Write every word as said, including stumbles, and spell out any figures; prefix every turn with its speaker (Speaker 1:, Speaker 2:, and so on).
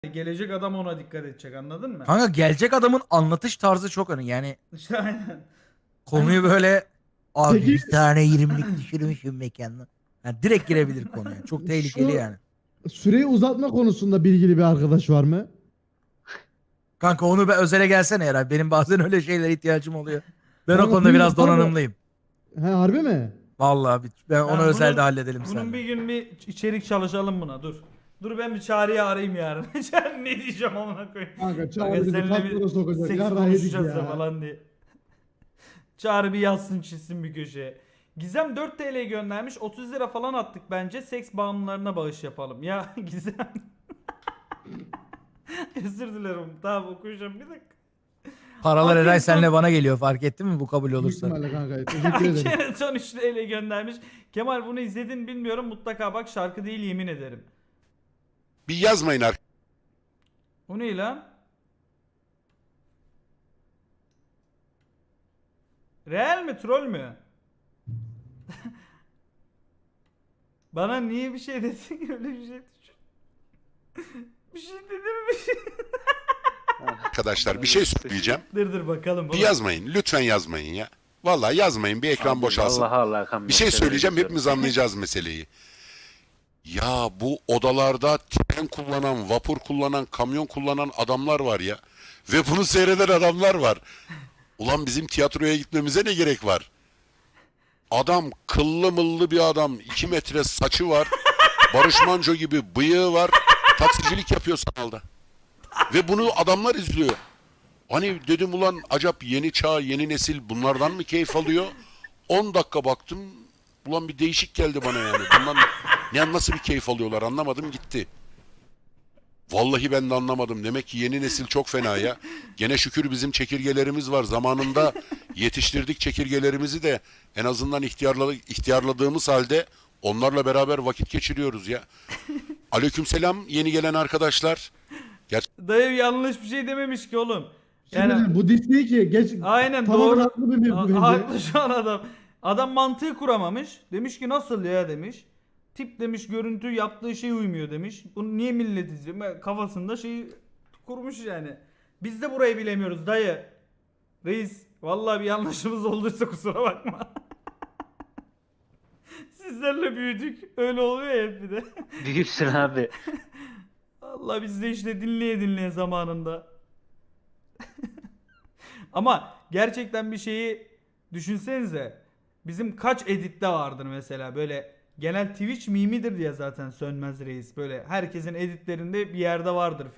Speaker 1: Gelecek adam ona dikkat edecek, anladın mı?
Speaker 2: Kanka gelecek adamın anlatış tarzı çok önemli. Yani
Speaker 1: İşte aynen.
Speaker 2: konuyu böyle abi
Speaker 3: Peki-
Speaker 2: bir tane yirmilik düşürmüşüm mekanına. Yani direkt girebilir konuya. Çok tehlikeli
Speaker 3: Şu
Speaker 2: yani.
Speaker 3: süreyi uzatma konusunda bilgili bir arkadaş var mı?
Speaker 2: Kanka onu ben özele gelsene herhalde. Benim bazen öyle şeylere ihtiyacım oluyor. Ben o
Speaker 3: Kanka
Speaker 2: konuda
Speaker 3: bir-
Speaker 2: biraz
Speaker 3: kanka-
Speaker 2: donanımlıyım.
Speaker 3: He harbi mi?
Speaker 2: Vallahi bir- ben onu
Speaker 1: Ben
Speaker 2: özelde
Speaker 1: bunun-
Speaker 2: halledelim
Speaker 1: Bunun
Speaker 2: seninle.
Speaker 1: bir gün bir içerik çalışalım buna, dur. Dur ben bir Çağrı'yı arayayım yarın. Çağrı ne diyeceğim amına koyayım.
Speaker 3: Kanka
Speaker 1: Kanka
Speaker 3: Çağrı bizi
Speaker 1: seninle
Speaker 3: katlara
Speaker 1: bir
Speaker 3: sokacak.
Speaker 1: seks
Speaker 3: Yarrağı yedik
Speaker 1: konuşacağız da
Speaker 3: ya.
Speaker 1: falan diye. Çağrı bir yazsın çizsin bir köşeye. Gizem dört T L göndermiş. otuz lira falan attık bence. Seks bağımlılarına bağış yapalım. Ya Gizem. Özür dilerim. Tamam okuyacağım bir dakika.
Speaker 2: Paralar Eray
Speaker 1: Akın
Speaker 2: senle
Speaker 1: son-
Speaker 2: bana geliyor, fark ettin mi bu kabul
Speaker 3: Büyük
Speaker 2: olursa?
Speaker 3: ihtimalle kanka. Teşekkür ederim.
Speaker 1: Ayşe'nin son üç T L göndermiş. Kemal bunu izledin bilmiyorum. Mutlaka bak, şarkı değil yemin ederim.
Speaker 4: Bir yazmayın arkadaşlar.
Speaker 1: O ne lan? Real mi troll mü? Bana niye bir şey desin öyle bir şey düşün. Bir şey dedim mi bir şey?
Speaker 4: Arkadaşlar bir şey söyleyeceğim.
Speaker 1: Dur dur bakalım.
Speaker 4: Bir yazmayın. Lütfen yazmayın ya. Vallahi yazmayın. Bir ekran boşalsın.
Speaker 5: Allah Allah. kan
Speaker 4: Bir şey
Speaker 5: mesele
Speaker 4: söyleyeceğim.
Speaker 5: diyorum.
Speaker 4: Hepimiz anlayacağız meseleyi. Ya bu odalarda tren kullanan, vapur kullanan, kamyon kullanan adamlar var ya. Ve bunu seyreden adamlar var. Ulan bizim tiyatroya gitmemize ne gerek var? Adam kıllı mıllı bir adam. iki metre saçı var. Barış Manço gibi bıyığı var. Taksicilik yapıyor sanalda. Ve bunu adamlar izliyor. Hani dedim ulan acaba yeni çağ, yeni nesil bunlardan mı keyif alıyor? on dakika baktım. Ulan bir değişik geldi bana yani. Bundan ne, nasıl bir keyif alıyorlar anlamadım gitti. Vallahi ben de anlamadım. Demek ki yeni nesil çok fena ya. Gene şükür bizim çekirgelerimiz var. Zamanında yetiştirdik çekirgelerimizi de en azından ihtiyarla, ihtiyarladığımız halde onlarla beraber vakit geçiriyoruz ya. Aleykümselam yeni gelen arkadaşlar.
Speaker 1: Dayı yanlış bir şey dememiş ki oğlum.
Speaker 3: Şimdi
Speaker 1: Yani
Speaker 3: bu Disney ki geç
Speaker 1: aynen
Speaker 3: tamamen
Speaker 1: doğru.
Speaker 3: haklı bir mevzu
Speaker 1: Ha-
Speaker 3: bence.
Speaker 1: Haklı şu an adam. Adam mantığı kuramamış. Demiş ki nasıl ya demiş. Tip demiş, görüntü yaptığı şey uymuyor demiş. Bunu niye millet izliyor? Ben- Kafasında şeyi kurmuş yani. Biz de burayı bilemiyoruz dayı. Reis vallahi bir yanlışımız olduysa kusura bakma. Sizlerle büyüdük. Öyle oluyor ya hep bir de.
Speaker 5: Büyüksün abi.
Speaker 1: Allah biz de işte dinleye dinleye zamanında. Ama gerçekten bir şeyi düşünsenize. Bizim kaç editte vardır mesela böyle genel Twitch mimidir diye zaten Sönmez Reis. Böyle herkesin editlerinde bir yerde vardır.